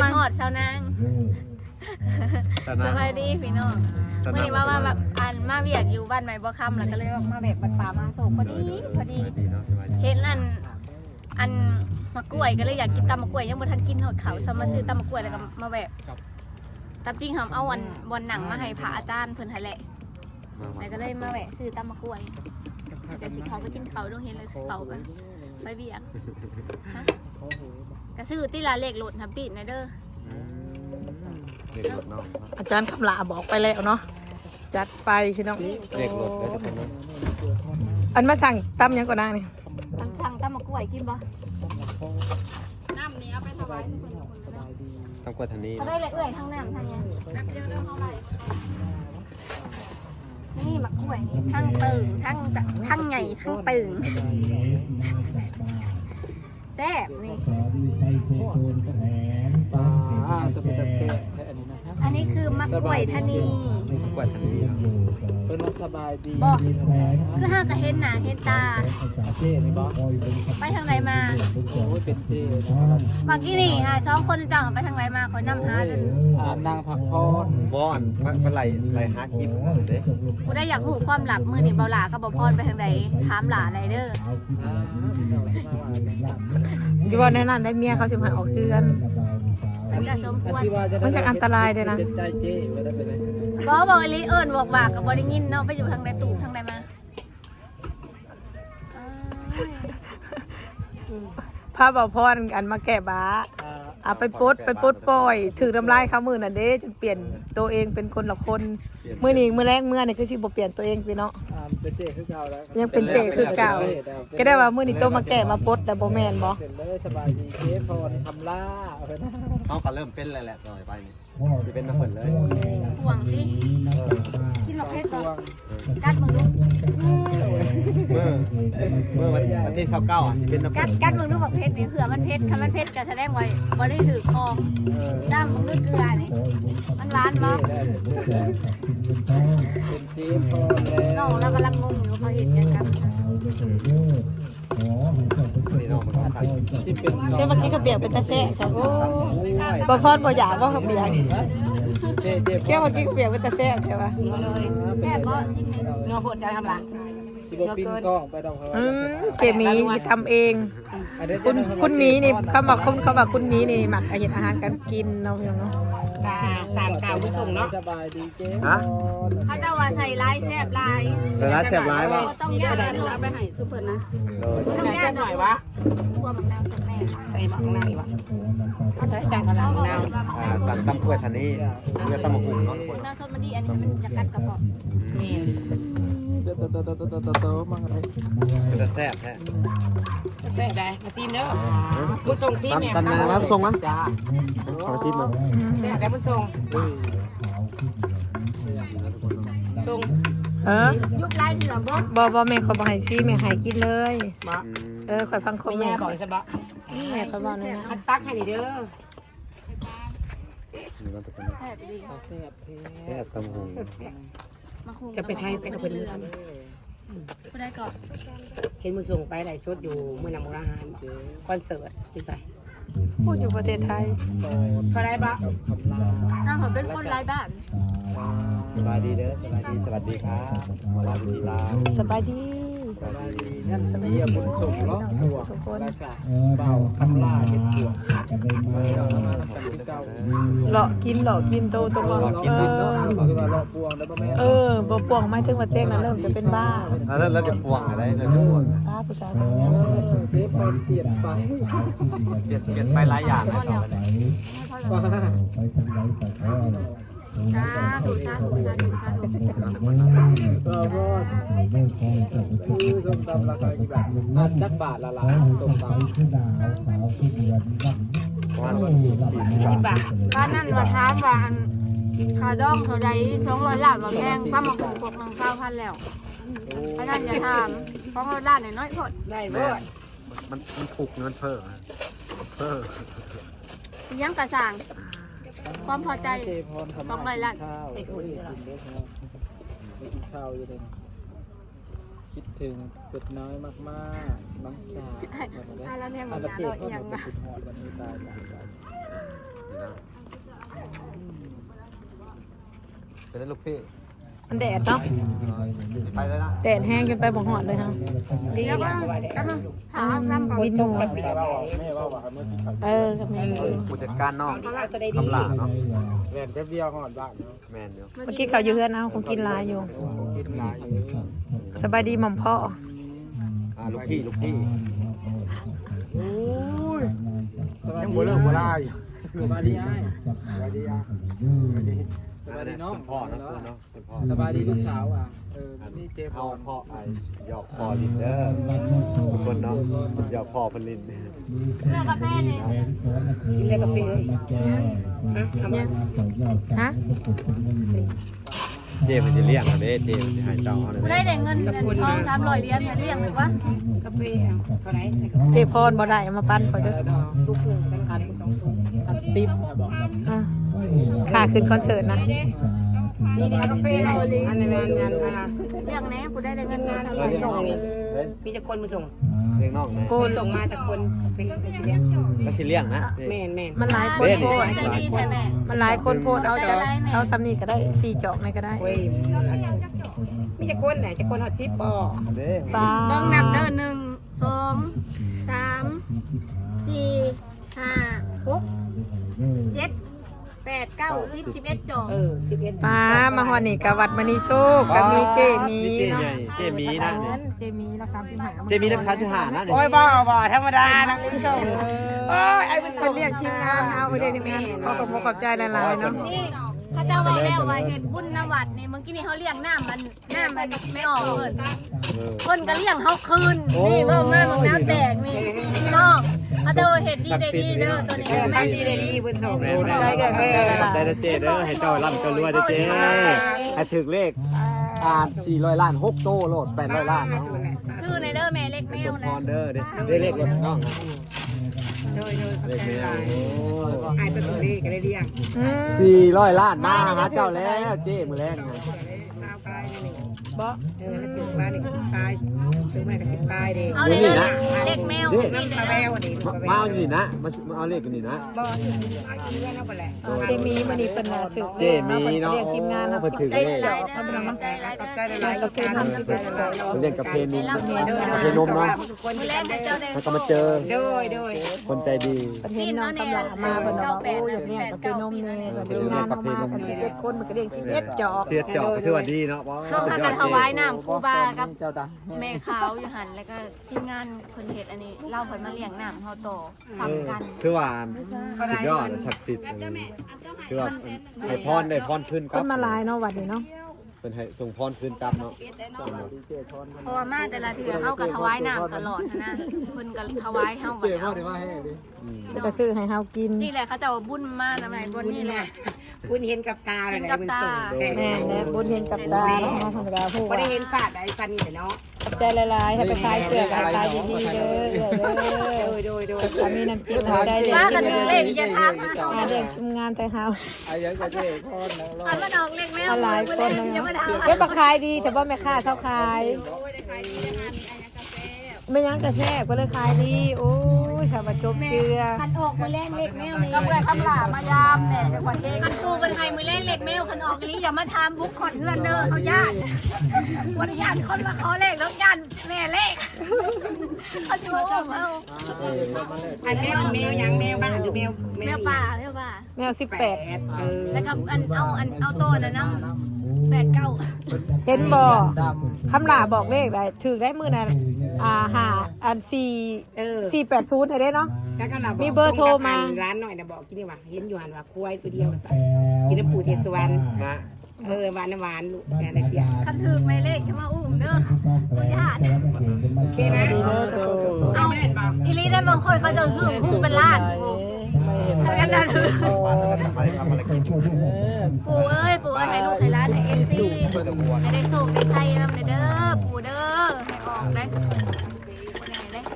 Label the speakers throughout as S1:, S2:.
S1: หอดเช้านางสบายดีพี่น้องวันนี้มาแบบมาเวียกอยู่บ้านใหม่บ่คำแล้วก็เลยมาแบบบัดป่ามาส่งพอดีเห็นอันมะกล้วยก็เลยอยากกินตำมะกล้วยยังบ่ทันกินหอดเขาซ้ำมาซื้อตำมะกล้วยแล้วก็มาแบบตามจริงหอมเอาวันหนังมาให้พระอาจารย์เพิ่นให้แหละแล้วก็เลยมาแวะซื้อตำมะกล้วยแต่สิเขาก็กินเขาต้องเห็นเลยเขากันไปเวียกฮะก็ซื้อที่ร้านเลขรถทับปีนเด้อ
S2: อาจารย์คำลาบอกไปแล้วเนาะจัดไปพี่น้อง
S3: เด็กรถได้ทุกคนนะ
S2: อันมาสั่งตำยังก่อนนะนี่
S1: สั่งตำมะกล้วยกินบ่น้ำนี้เอาไปถวายทุกคน
S3: ทำกว่าทันนี้
S1: เขาได้เลยเอื่อยทั้งน้ำทั้งยังแบบเดียวเท่าไหร่นี่มะกล้วยนี่ทั้งตึงทั้งใหญ่ทั้งตึงแซ่บนี่อันนี้คือมะกล้วยทะนี
S3: มะกล้วยทันนี้
S4: เป็นสบายดี
S1: บอกคือห้ากระเห็นหนาเห็นตาไปทางไหนมา
S4: โอ้ยเป็นเจ๊
S1: เมื่อกี้นี่ค่ะ2 คนจังไปทางไหนมาขอนำหาเลย
S4: นางพักพร
S3: บอนมันไหลหาคลิปเด้
S1: กูได้อยากรู้ความลับมือนี่เบาหลากับเบาพรไปทางไหนถามหลาไรเด้อ
S2: อยู่ว่าในนั้นได้เมียเขาสิมาออกเฮือน
S1: มันจะสมควร
S2: มันจะอันตรายเลยนะ
S1: บอกอลิเอิญบอกบากกับบอดี้ยินเนาะไปอยู่ทางใดตู่ทางใดมา
S2: พาเบาพรกันมาแก้บ้าเอาไปปดปล่อยถือทำลายเขามือนั่นเด้จนเปลี่ยนตัวเองเป็นคนละคนมือนี้มือแรกมือนี่คือสิบ่เปลี่ยนตัวเองพี่เนาะ
S4: เป็นเจ๊คือเก่าแล้ว
S2: ยังเป็นเจ๊คือเก่าก็ได้ว่ามือนี้โตมาแก้มาปดแต่บ่แม่นบ่
S4: เป็นเลยสบายดีเจ๊พรคำล่า
S3: เขาก็เริ่มเป็นแล้วแหละต่อไปนี่จะเป็นน้ำฝนเลย
S1: ห่วงสิกินหมกเพชรก่อนกัดมึงดู
S3: เมื่อวันที่29อ่ะจะเป็นน้ำฝน
S1: กัดมึงดูหมกเพชรนี่เผื่อมันเพชรถ้ามันเพชรก็แสดงไว้บ่ได้ถือคองด้ามมึงด้วยเกลือนี่มันหวานบ่
S4: เป็นเจ๊พร
S1: น้องเรากำลังงงอยู่เขาเห็นกัน
S3: นี่น้องมันก็ทัน
S2: เมื่อกี้เขาเบียกเป็นตาแซ่ใช่โอ้บ่พรบ่อยากว่าเขาเบียกแค่เมื่อกี้เขาเบียกเป็นตาแซ่ใช่ป่ะ
S1: แซ่บบ่ชิ้นนี้เงาผลจะทำหลัง
S2: เจมีทำเองคุณมีนี่เขาบอกคุณมีนี่หมักอาหารการกินเนาะพี่น้อง
S1: สามกาวผู้ส่งเนาะ
S4: สบายดีเจ๊
S3: ฮะ
S1: เขาจะว่าใส่ลายแซ่บลาย
S3: แซ่บลายป่ะ
S1: ต้องแยกกันเอาไปให้ซุปเปอร์นะต้องแยกหน่อยวะกลัวหมักนาวจากแม่ใส่หมักนายวะเอาใส่ดังกันแล้วนาว
S3: สั่งตำกล้วยทันนี้เนื้อตำมะกรูดเนาะ
S1: น้ำส้มมันดีอันนี้มันจะกัดกระบอก
S4: นี่โตมั่งอะไร
S3: เป็นแซ่บแท้
S1: แซ่บได้มาซิมเด้อผู้ส่งซิมเนี่ย
S3: ตันนะผู้ส่งมั้ยขอซิมมั้ง
S1: แซ่บได้ผู้ส่งส่งยุบไล่เหนือ
S2: บ่แม่เขาบ่ให้ซิแม่ให้กินเลยข่อยฟังคอมเมนต์
S1: ก่อนใช่ปะ
S2: แม่เขาบอกนั่นนะ
S1: ตักให้เด้อ
S3: แซ่บตำหู
S2: จะไปไทยไปเอาไปเรือ
S1: ผู้ได้ก่อน
S5: เห็นมือส่งไปไหลสดอยู่มือนำอาหารคอนเสิร์ตพี่ใส่
S2: พูดอยู่ประเทศไทย
S5: เขาได้ปะ
S1: น้องเขาเป็นคนไร้บ้าน
S3: สบายดีเด้อสวัสดีครับลาวิธีลา
S2: สบายดี
S4: นั่นสมัยบุญส่งล้อหัวทุกคนเบาคำล่าเห็ดหัว
S2: หลอกกินโตบ่
S4: กินดินเนาะคือว่าหลอกปวงแล้วบ่แม่
S2: บ่ปวงไม่ถึงว่าเต้งน่ะเริ่มจะเป็นบ้า
S3: แล้วจะปวงอะไรแล้วจะปวง
S2: บ้าผู้สาว
S4: เจ๊ไปเปลี่ยน
S3: ไปหลายอย่างเลยต่อไป
S4: ส้มตำราคากี่บาทจักบาทละส้มตำ
S1: 40 บาทบ้านนั่นว่าถามว่าขาดองเขาได้200 ล้านว่าแพงป้ามาคง1 9,000แล้วเพราะนั้นอย่าถาม200 ล้านน้อยพอได้เบิด
S3: มันถูกมันเพิ่ม
S1: ยังกระสั่งความพอใจ200 ล้าน
S4: ไปคุยกินข้าวอยู่เลยคิดถึงเป็ดน้อยมากๆน้องสาว
S1: แล้วเนี่ยมันจะอร่อยยังไง
S3: เป็นลูกพี่
S2: มันแดดเนาะ
S3: ไปเลยนะ
S2: แดดแห้งจนไปบ่หอดเลยค่ะ
S5: ดีแล้วก็ว่าได้
S1: ถามน้ำก่อน
S2: วินอยู่
S4: แม่ว่าเมื่อกี้เขา
S2: กับแม่
S3: ผู้จัดการน้อง
S5: เขาตัวได้ดี
S3: คำลาเนาะ
S4: แล่นแป๊บเดียวหอดบ้านเนาะ
S3: แมนเดียว
S2: เมื่อกี้เขาอยู่เฮือนเอาคงกินหลายอยู่
S4: กินหลายอยู่
S2: สบายดีหม่อมพ่อ
S3: ลูกพี่ลูกพี่
S4: โอ้ยยังบ่เลิกบ่ลาอยู่สบายดีอ้ายสบายดีอ่ะสบายดีน้อง
S3: พ่อนะคุณเนาะเป็นพ่อ
S4: สบายดีลูกสาวอ่ะนี่เจพ
S3: เอา
S4: ร
S3: พ่อไอ้หยอกพ่อลินเด้อทุกคนเนาะหยอกพ่อพันลิน
S1: เลือกกาแฟเนี่ย
S5: กินเลยกาแฟเลยฮะ
S3: เจมันจะเลี้ยงอะเด้เจมันจะให้เจ้าเอาเลย
S1: กูได้แต่เงินทอง300เหรียญเนี่ยเลี้ยงเลยวะ
S5: กาแฟเท่าไหร่
S2: เจพรบ่ได้เอามาปั้นขอเด้อ
S5: ทุกหนึ่งกันพันสองทุก
S4: อันติ๊บบอก
S2: อ่ะค่าขึ้นคอนเสิร์ตนะ
S5: นี่กาแฟอันในงาน
S1: เลี้ยงแน่กูได้แต่เงินงาน
S5: ไปส่งนี่มีจะคนมาส่ง
S3: เลี้ยงน้องนะ
S2: โกน
S5: ส่งมาแต่คนเป็นเลี้ยง
S3: ก็สิเลี้ยงนะ
S5: แม่นแม่น
S2: มันหลายคนโพด
S1: ใจดีแท้แม่
S2: มันหลายคนโพดเอาซ้ำนี่ก็ได้4จอกในก็ได้
S5: เว้ยมีจะคนไหนจะคนหอดซิปบ่
S3: เด้
S2: ป้า
S1: เบิ่งนับเด้อ1 2 3 4 5 6 7 8 9 10 11จอก
S5: 11
S2: ป้ามาฮอดนี่กะวัดมณีโซกะมีเจมี
S3: เจใหญ่เจมีนะ
S2: เจมีละ35
S3: เจมีน้ำค้างที่หานะ
S5: โอ้ยบ่ธรรมดานะคุณผู้ชมโอ้ยไอ้เป็น
S2: เพิ่นเรียกทีมงานเอาไปเรียกทีมงานขอขอบใจหลายๆเนาะ
S1: นี่เขาเจ้าไว้แล้วว่าเฮ็ดบุญนวัดนี่เมื่อกี้นี่เขาเลี้ยงน้ำมันไม่ออกเพิ่นคนก็เลี้ยงเขาคืนนี่เบิ่งมาเบิ่งน้ำแตกนี่พี่น้องเขาเจ้าเฮ็ดดีได้ดีเด้อตัวนี้แม่
S5: ทำดีได้ดีเพิ่นส่ง
S2: ใจกันขอบใจหลาย
S3: ได้เจเด้อให้เจ้าร่ำเจ้ารวยเด้อเจให้ถึงเลข400 ล้าน6โตโลด800 ล้านเนาะ
S1: ชื่อในเด้อแม่เล็กแม
S3: ส
S1: ว
S3: มพ
S1: นะ
S3: รเด้อได้เลขรถน้องนะ
S5: โดย
S3: เลขแมว
S5: ไอ้ตัวเลขก็ได้เรียง
S2: ๆอืม
S3: 400 ล้านมาหาเจ้าแล้วเจมื้อแรงนะ
S5: บ่แล้วถึงบ้านนี่ก็10ปลายถึงแม่ก็10ปลายเด้
S1: เอาในเด้อเล็กแมว
S5: น้ำปลาแววนี่
S3: มาเอาอยู่นี่นะมาเอาเลขกันนี่นะ
S5: บ่เอากินเงินเอาไปแหละ
S2: เจมีมันนี่เพิ่นน่ะถึก
S3: เจมีเนาะ
S2: เรียกทีมงานนะ
S3: เพิ่นถึง
S1: ได้
S3: เลข
S1: หลายเด้อได้หลาย
S5: ขอบใจ
S1: เด้อ
S5: หลายๆกับการทำสิบ
S3: เพิ่นเรียกกับเพนนมกับเพนนมเนาะ
S1: มื้อแรกให้เจ้าได้
S3: แล้วก็มาเจอ
S5: โดย
S3: คนใจดี
S2: เพิ่นเห็นน้องกำลังมาเพิ่นบอกว่าโอ้อยากเรียกกับนมนี่เพิ่นทีมงานเข้ามากัน11คนมันก็เรียก11จอก
S3: เทียดเจาะคือว่าดีเนาะเพราะ
S1: เข้าพากันถวายน้ำครูบากับ
S4: เจ้าดัง
S1: แม่ขาวอยู่หันแล้วก็ทีมงานเพิ่นเฮ็ดอันนี้เล่าเพิ่นมาเลี้ยงน้ำเฮาต่อสำกัน
S3: คือว่าสุดยอดศักดิ์สิทธิ์คือว่าให้พรได้พรขึ้น
S2: คนมาหลายเนาะวัดนี้เนาะ
S3: เป็นให้ส่งพรขึ้นกลับเนาะ
S4: ดีเจพร
S1: เพราะว่ามาแต่ละเทื่อเฮาก็ถวายน้ำตลอดนะเพิ่นก็ถวายเฮา
S4: เจ
S1: บัด
S4: พร
S1: เอา
S4: ได้มาให้ดิ
S2: แล้วก็ซื้อให้เฮากิน
S1: นี่แหละเขาจะเอาบุญมานะแม่บุญนี่แหละ
S5: คุณเห็นกับตาเลยนะคุณส่ง
S2: แม่และบุญเห็นกับตาเนาะธรรมดาผู้
S5: ไม่
S2: ว่า
S5: ได้เห็นศาสตร์ไอ้ฟันนี่เนาะ
S2: ขอบใจหลายๆให้ไปขายเสื้อกันขายดีๆเด้อ
S5: โดย
S2: ถ้ามีน้ำจิ้มน้ำใจดี
S1: ว่ากันเลขจะทาง
S2: มาเรียกทีมงานแต่เฮา
S4: ไอ้ยังกับเจพรนะรอ
S1: อันมาดอกเล็กแม่
S2: หลายคน
S1: ยัง
S2: เนาะ
S1: ไม่ทำ
S2: เฮ็ดบ่ขายดีแต่ว่าแม่ค้าเซาขายไม่ยังกระแทกก็เลยขายดีโอ้ยสาวจบเจือ
S1: คันออกมือแรกเล็กแมวนี่ก็เพื่อคำหลามายามแต่จังหวัดเองคันตูเป็นไทยมือแรกเล็กแมวคันออกนี้อย่ามาทำบุกขอนเงื่อนเด้อเขาญาติวันญาติคนมาขอเลขแล้วญาติแม่เลขเขาจะมาจับเอา
S5: อันแมวยังแมวบ้านหรือแมว
S1: แมวป่าแมวป่า
S2: แมว18
S1: แล้วก็เอาโตนะน้ำ89
S2: เห็นบ่
S4: ด
S2: คำหลาบอกเลขได้ถือได้มื้อนั้นหาอัน480ให้ได้เนาะ มีเบอร์โทรมา
S5: ร้านหน่อยนะบอกกินดีว่าเห็นอยู่หันว่าควายตัวเดียวกินน้ำปูเทศสวรรค์
S3: มา
S5: หวานหวานลูกแม่ได้เพีย
S1: คันถือไม่เลขจะมาอุ้มเด้อญาติ
S5: โอเคนะ
S1: เอาอีลีได้บางคนเขาจะซื้อคู่เป็นล้าน
S4: ไม่เห็น
S1: กันนะถือ
S3: ทำอะไรกิน
S1: ปู่เอ้ยปู่ให้ลูกให้ร้านให้เอฟซีให้ได้สูงได้ใจนำเด้อปู่เด้อให้ออกได้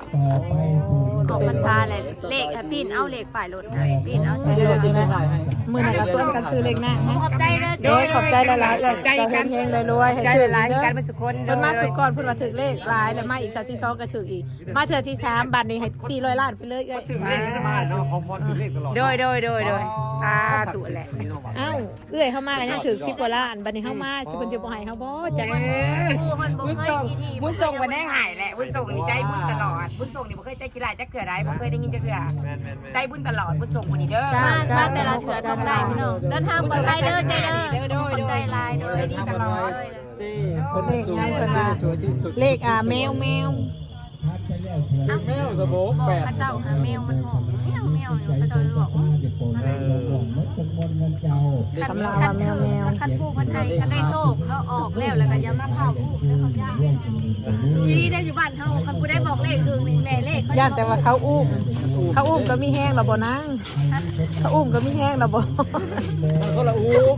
S1: ออกพรรษาเลยเลขปีนเอาเลขฝ่ายรถปีนเอาใช่
S4: เดี๋ยวจะไปถ่ายให้
S2: มมื้อนั้นก็ส่วนกันซื้อเลขหน้า
S1: ขอบใจเด้อ
S2: โดยขอบใจหลายๆใจกันเฮงๆรวยๆให้
S5: ใจ
S2: ถือ
S5: หลาย
S2: เด้อ
S5: กันเป็นสุคน
S2: เพิ่นมาสุดก่อนเพิ่นว่าถือเลขหลายแล้วมาอีกเทื่อที่2ก็ถืออีกมาเทื่อที่3บัดนี้ให้400ล้านไปเลยเอ้ย
S3: ถึงเลขก็มาเนาะขอพรถึงเลขตลอด
S5: โดยตุแหละ
S2: เอ้าเอื้อยเข้ามาก็ยังถือ10กว่าล้านบัดนี้เฮามาสิเพิ่นจะบ่ให้เฮาบ่จัง
S1: ผู้คนบ่
S5: บุญ
S1: เคย
S5: ส่ง
S1: กี่ที
S5: บุญส่งวันแน่หายแหละบุญส่งนี่ใจบุญตลอดบุญส่งนี่บ่เคยใจกีฬาจักเกือได้บ่เคยได้ยินจักเกือใจบุญตลอดบุญส่งวันนี้เด้อ
S1: มาแต่ละเถื่อต้องได้พี่น้องเดินทางปลอดภัยเด้อใจเด้อขอบใจหลายเด้อดีตลอด
S2: เลขยังเพิ่นว่าเลขแมว
S4: แมวสะโบก
S1: บอก
S4: แปด
S1: พระเจ้าหาแมวมันหอมแมวอยู่พระเจ้าเลยบอกว่า
S2: สำหรับว่าแมว
S1: คันผู้คนไทยคันได้โชคเขาออกแล้วแล้วก็อย่ามาเผาผู้แล้วเขาย่างทีนี้ได้อยู่บ้านเขาคันผู้ได้บอกเลขคือนี่แม่เลข
S2: ย่านแต่ว่าเขาอุ้มก็มีแห้งแล้วบ่นางเขาอุ้มก็มีแห้งแล้วบ่
S4: มันก็ละอุ้ม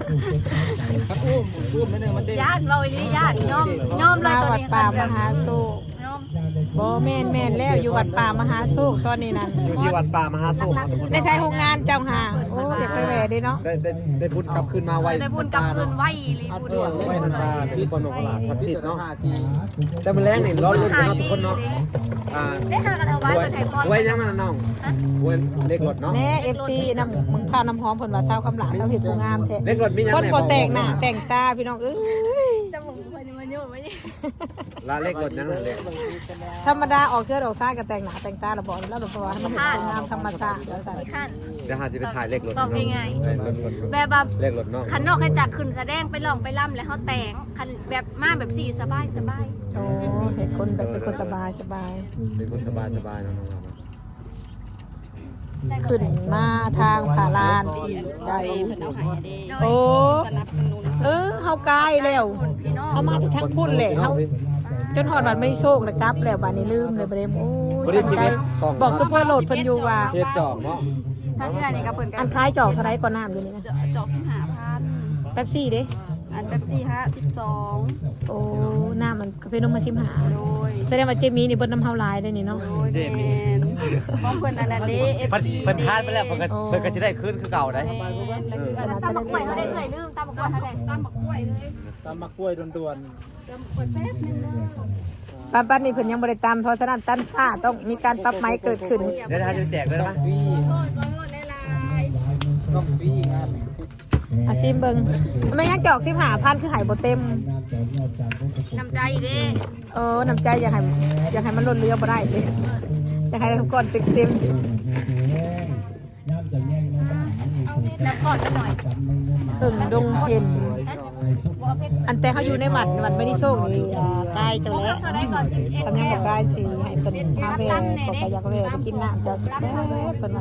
S4: อุ้มนิดนึงมันจะ
S1: ญาติเราอีนี้ญาติย่อมเลย
S2: มา
S1: ตัว
S2: วัด
S1: นี้
S2: ป่ามหาโศก
S1: ย่อม
S2: บ่แม่นแล้วอยู่วัดป่ามหาโศกตอนนี้นั่น
S3: อยู่ที่วัดป่ามหาโศกครับทุกคน
S2: ได้ใช้โรงงานเจ้าหาโอ้อยากไปแหวะดิเนาะ
S3: ได้พุทธกลับคืนมาไว
S1: ได้บุญกลับคืนไหวลีบุญ
S3: ไวนันตาเป็นคนของหลาศักดิ์สิทธิ์เนาะแต่มันแรงนี่ร้อนรุ่นกันเนาะทุกคนเนาะ
S1: ได้หากันเอาไว้ตัวไทยพอ
S3: ไว้ยังมันน้องไว้เลขรถเนาะ
S2: แน่ FC น้ำมึงพาน้ำหอมเพิ่นว่าเซาคำหลาเซาเฮ็ดผู้งามแท้
S3: เลขรถมียัง
S2: คนบ่แต่งหน้าแต่งตาพี่น้องเอ้ย
S1: จะบอกมันอยู่ไม่ได้
S3: ละเลขรถยังเลย
S2: ธรรมดาออกเสื้อออกซ้ายก็แต่งหน้าแต่งตาแล้วบอกแล้วเพราะว่าให้มันเห็นผู้งามธรรมชาติแล้วซั่น
S1: ไม่ขั้น
S3: เดี๋ยวหาจะไปถ่ายเลขรถ
S1: ตอบง่าย
S3: แบบเลขรถเนาะ
S1: ขันนอกให้จักขึ้นแสดงไปลองไปล่ำแล้วเขาแต่งขันแบบมาแบบสี่สบาย
S2: โอ้เห็นคนแบบเป็นคนสบาย
S3: เป็นคนสบายเนาะ
S2: ขึ้นมาทางผาลานได้โอ้เฮากายแล้ว
S1: พี่น้อง
S2: เอามาทั้งพุ่นเลยเฮาจนหอดบัดไม่โชคเลยกลับแล้วบัดนี้ลืมเลยบ่ได้โอ้ยบอกซุปเปอร์โหลดเพิ่นอยู่ว่า
S3: เทปจอกเนาะ
S5: ถ้าเกือนี่ก็เพิ่นกั
S2: อั
S5: น
S2: นคล้ายจอกเท่าไรก่อนน้ำอยู่นี่นะ
S5: จอก15,000
S2: แป๊บซี่เด้
S5: อันแบบ4
S2: โอ้น้ำมันกาแฟนมมาชิมหา
S5: 12โดย
S2: แสดงว่าเจมี่นี่เบิ่นน้ำเฮาหลายได้นี่เนาะ
S3: เจมี่
S5: ของเพิ่นอันนั้นเด้
S3: เพิ่นทานไปแล้วเพิ่นก็สิได้คืนคือเก่าได้
S5: แล้วคืออันนั้น
S1: ตามบักกล้วยเขาได้เลยลืมตามบักกล้วยเขาได้
S5: ตามบักกล้วยเลย
S4: ตามมะกล้วยด่วน
S5: ตามบักกล้วยแป๊บนึง
S2: ปันนี่เพิ่นยังบ่ได้ตามเพราะฉะนั้นตันซ่าต้องมีการปรับไม้เกิดขึ้น
S3: เดี๋ยวจะแจกเลย
S4: ๆต้อ
S3: นะ
S4: งฟรีต้องฟรีงาน
S2: อาซิมเบิ่งไม่ยังจอก15,000คือหายบ่เต็ม
S1: น้ำใจเด้
S2: น้ำใจอยากให้มันล้นเรือบ่ได้เลยอยากให้ทุกคนเต็ม
S1: น้ำกอดกันหน่อย
S2: ดงเห็นอันแต่เขาอยู่ในวัดไม่ได้โชคนี่ใกล้จังแล้ว
S1: เขาได้ก่อน11
S2: ทำยังบอกได้สิให้เพิ่นมาแวะขอไปอยากแวะไปกินน้ำจะแซ่บเพิ่นว่า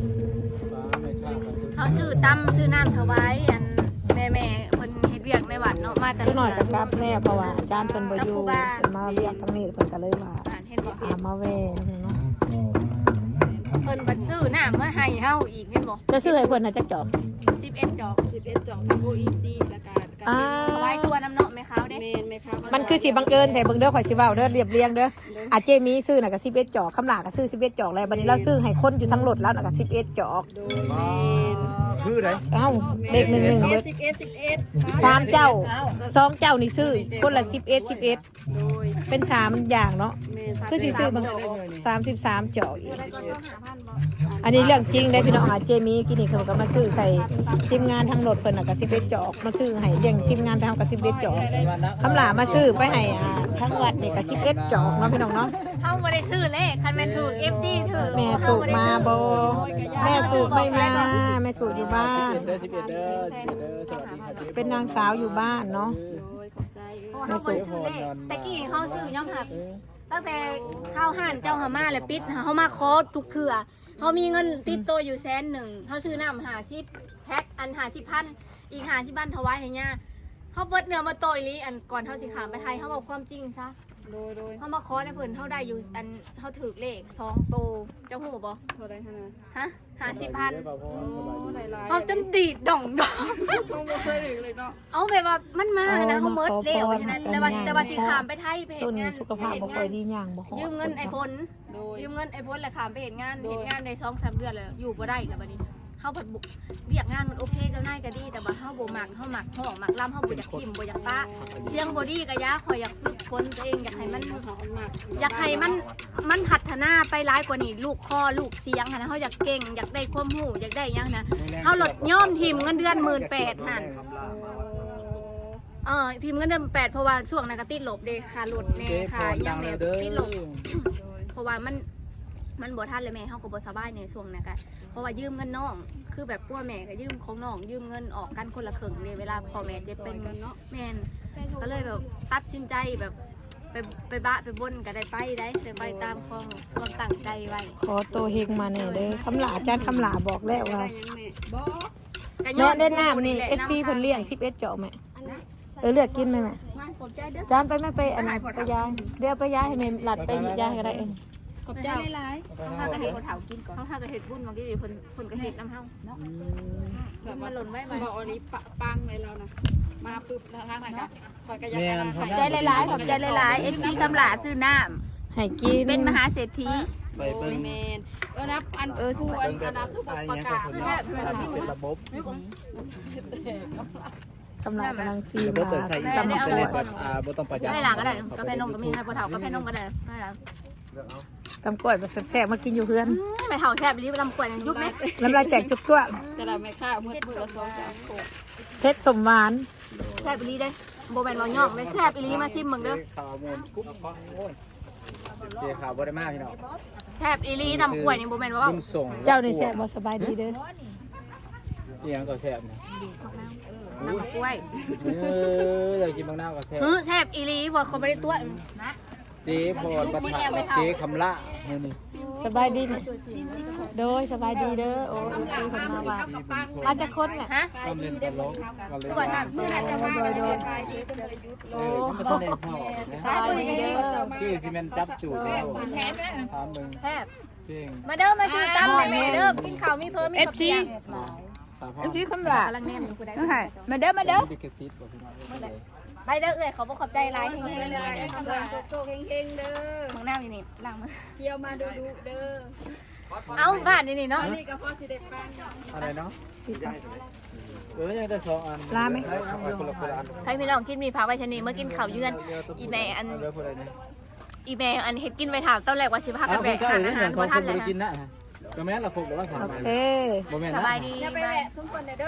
S1: เขาชื่อตั้มชื่อน้ำถวายอันแม่เพิ่นเฮ็ดเวียกในวัดเนาะมาแต่
S2: คือหน่อยกับกลับแน่เพราะว่าอาจารย์เพิ่นบ่อยู่เพิ่นมาเรียกทางนี้เพิ่นก็เลยว่า
S1: เห็นบ่
S2: มาแวะเนาะ
S1: เพิ่นบัดซื้อน้ำมาให้เฮาอีกเห็นบ่
S2: จะซื้อให้เพิ่นน่ะจักจอก
S1: 11จอก
S5: 11จอก OEC แล้วก็
S1: ถวายตัวน้ำเนาะแม่ขาวเด้
S5: เมนไหมคะ
S2: มันคือสิบังเอิญแต่เบิ่งเด้อข่อยสิเว้าเด้อเรียบเรียงเด้ออาเจมีซื้อน่ะก็11จอกคำหลาก็ซื้อ11จอกแล้วบัดนี้เราซื้อให้คนอยู่ทั้งรถแล้วน่ะก็11จอก
S3: คือไหน
S2: เอ้าเลข11เบิด
S5: 11
S2: 3เจ้า2เจ้านี่ซื้อคนละ11
S5: โดย
S2: เป็น3อย่างเนาะ
S5: เมน
S2: คือสิซื้อบาง33จอกอีกอันนี้เรื่องจริงได้พี่น้องอาเจมีกินนี่เขาก็มาซื้อใส่ทีมงานทั้งรถเพิ่นน่ะก็11จอกมาซื้อให้เลี้ยงทีมงานทำก็11จอกคำหลามาซื้อไปให้ทั้งวัดนี่ก็11จอกเนาะพี่น้องเนาะ
S1: เฮาบ่ได้ซื้อเลขคันแม่นถูก FC ถือ
S2: แม่สูบมาบ่แม่สูบไม่มาแม่สูบอยู่บ้าน
S4: 11เด้อ11เด้อสวัสดีค่ะเจ๊
S2: เป็นนางสาวอยู่บ้านเนาะ
S1: เฮาบ่ได้ซื้อเลขแต่กี้เฮาซื้อย่อมหักตั้งแต่ข้าวห่านเจ้าหามาแล้วปิดเฮามาขอทุกเทื่อเฮามีเงินติดตัวอยู่100,000เฮาซื้อน้ำ50แพ็คอัน50,000อีก50,000ถวายให้ย่าเฮาเบิดเนื้อมาโตอีหลีอันก่อนเฮาสิขามไปไทยเฮาบอกความจริงซะ
S5: โดย
S1: เขามาขอในเพิ่นเท่าได้อยู่อันเท่าถือเลข2โตเจ้าหูบ่
S5: เท่าไรฮะนะ
S1: ฮะ50,000
S5: โอ้หลายๆ
S1: เขาจนตีดด่องดอง
S5: ต้องบ่เคยถึงเลยเนาะ
S1: เอาแบบว่ามันมานะเขาเมิดเร็วฉะนั้นแต่ว่าสิขามไปไทยไปเฮ็
S2: ช่วง
S1: ด
S2: นี้
S1: งาน
S2: สุขภาพบ่ค่อยดีหยังบ่ฮอด
S1: ยืมเงินไอ้พล
S5: โดย
S1: ยืมเงินไอ้พลแล้วขามไปเฮ็ดงานได้2-3 เดือนแล้วอยู่บ่ได้แล้วบัดนี้เฮาบุกเรียกงานมันโอเคก็ง่ายก็ดีแต่ว่าเฮาบ่มักห้องมักล่ำเฮาบ่อยากทิ่มบ่อยากปะเสียงบ่ดีก็ยาข่อยอยากฝึกฝนตัวเองอยากให้มันพัฒนาไปหลายกว่านี้ลูกคอลูกเสียงหั่นนะเฮาอยากเก่งอยากได้ความรู้อยากได้หยังนะเฮาลดย่อมทิ่มเงินเดือน 18,000 หั่นทีมเงินเดือน8เพราะว่าช่วงนั้นก็ติดลบเด้ค่ารถแน่ค่าหยังแน่ติดลบเพราะว่ามันบ่ทันเลยแม่เฮาก็บ่สบายในช่วงนั้นก็เพราะว่ายืมเงินน้องคือแบบพ่อแม่ก็ยืมของน้องยืมเงินออกกันคนละครึ่งเลยเวลาพ่อแม่จะเป็นเนาะแม่นก็เลยแบบตัดสินใจแบบไปบะไปบนก็ได้ไปตามความตั้งใจไว้
S2: ขอโตเฮงมาแน่เด้อคำหลาอาจารย์คำหลาบอกแล้วว่า
S1: ก็ย้
S2: แม่
S1: อน
S2: เล่นน้ำนี่ FC เพิ่นเลี้ยง11เจาะแม่เลือกกินไหมแม่จานไปแม่ไปอันนั้นไปยายเดี๋ยวไปยายให้แม่หลัดไปยายก็ได้เอง
S1: ขอบใจหลายๆเฮาก็เฮ็ดคนเฒ่ากินก่อนเฮาก็เฮ็ดบุญบางทีเพิ่นก็เฮ็ดนำเฮาเนาะมันหล่นไว้มา
S6: บอกอันนี้ปังเลยเรานะมาปึ๊บทางไหนกันคอยกระยับ
S1: ขอบใจหลายๆขอบใจหลายๆ FC กำหลาซื้อน้ำ
S2: ให้กิน
S1: เป็นมหาเศรษฐี
S4: ไปเบิ่ง
S6: เมนนะอันสู้อันนั้นคือประกาศ
S4: เป็นระบบ
S2: คำหลากำลังซี
S4: ระบบ
S2: มา
S4: จะใส่
S2: ตำมะกรูด
S4: บ่ต้องประหยัด
S1: ให้หลังก็ได้กาแฟนมก็มีให้พ่อเฒ่ากาแฟนมก็ได้ให้หลัง
S2: ตำกล้วยแบบแซ่บๆมากินอยู่เพื่อน
S1: ไม่เฒ่าแซ่บอีหลีลำกล้วยยุบไหม
S2: น้ำลายแตกจุกทั่ว
S6: จะเราไม่ข้าวมืดมืดละ2-3โขก
S2: เพชรสมหวาน
S1: แซ่บอีหลีเด้โบแมนบ่ย่องเลยแซ่บอีหลีมาชิมเบิ่งเด้อ
S4: ข่าวมูลกุ๊บโอ้ยเจ๊ข่าวบ่ได้มากพี่น้อง
S1: แซ่บอีหลีลำกล้วยนี่โบแมนว่า
S4: บุญส่ง
S2: เจ้าในแซ่บบ่สบายดีเด้อ
S4: เอียงก็แซ่บนะ
S1: ลำกล้วย
S4: อยากกินบางหน้าก็แซ่บ
S1: แซ่บอีหลีบ่เขาบ่ได้ตัวนะ
S4: เจ๊พอดประทานเจ๊คำละนี่
S2: สบายดีเนี่ยโดยสบายดีเด้อโอ้ยซีคนมาว่าอาจจะคนเนี่ย
S1: ฮะ
S4: ต้องเล่นตลกก็เลย
S1: ตัวนั้น
S6: เมื่อนั้นจะมาเป็นไฟดีเป็นประยุทธ์โล
S4: ไม่ต้องเล่นเศร้า
S2: สบายดีเด้อ
S4: คือซีเมนจับจูดแล้วถามมึง
S1: แซ่บ
S4: เพลง
S1: มาเด้อมาซื้อตำแม่เด้อกินข้าวมีเพิ่มมีข้าวเปียก
S4: สาวพ่อ
S2: พี่คำหลาก
S1: ำลังแน่นอยู่กูได้
S2: มาเด้อมาเด้อ
S4: บิกซิตบอกพี่น้องเลย
S1: ไปเด้อเอ้ยเขาบ่ขอบใจหลายเฮงๆเลย
S6: โซเฮงๆเด้อ
S1: ของน้ำอยู่นี่ล้างมือ
S6: เที่ยวมาดูเด้อ
S1: เอาบ้านนี่เนาะ
S6: นี่ก็พอสิได้ปัง
S4: อะไรเนาะยังได้2 อัน
S2: ลาไหม
S1: ใครพี่น้องกินมีผักไว้ชนีเมื่อกินข้าวเยือนอีแม่อัน
S4: เรื่องอะไรเนี่ย
S1: อีแม่อันเฮ็ดกินไปถามตอนแรกว่าสิพากันแบกหาอาหารบ่ทันเลย
S4: กินนะก็แม่นละครหรือว่าถาม
S2: โอเค
S4: บ่แม่น
S1: ส
S4: นะ
S1: บายดี
S6: อย่าไปแวะทุกคนเด้อ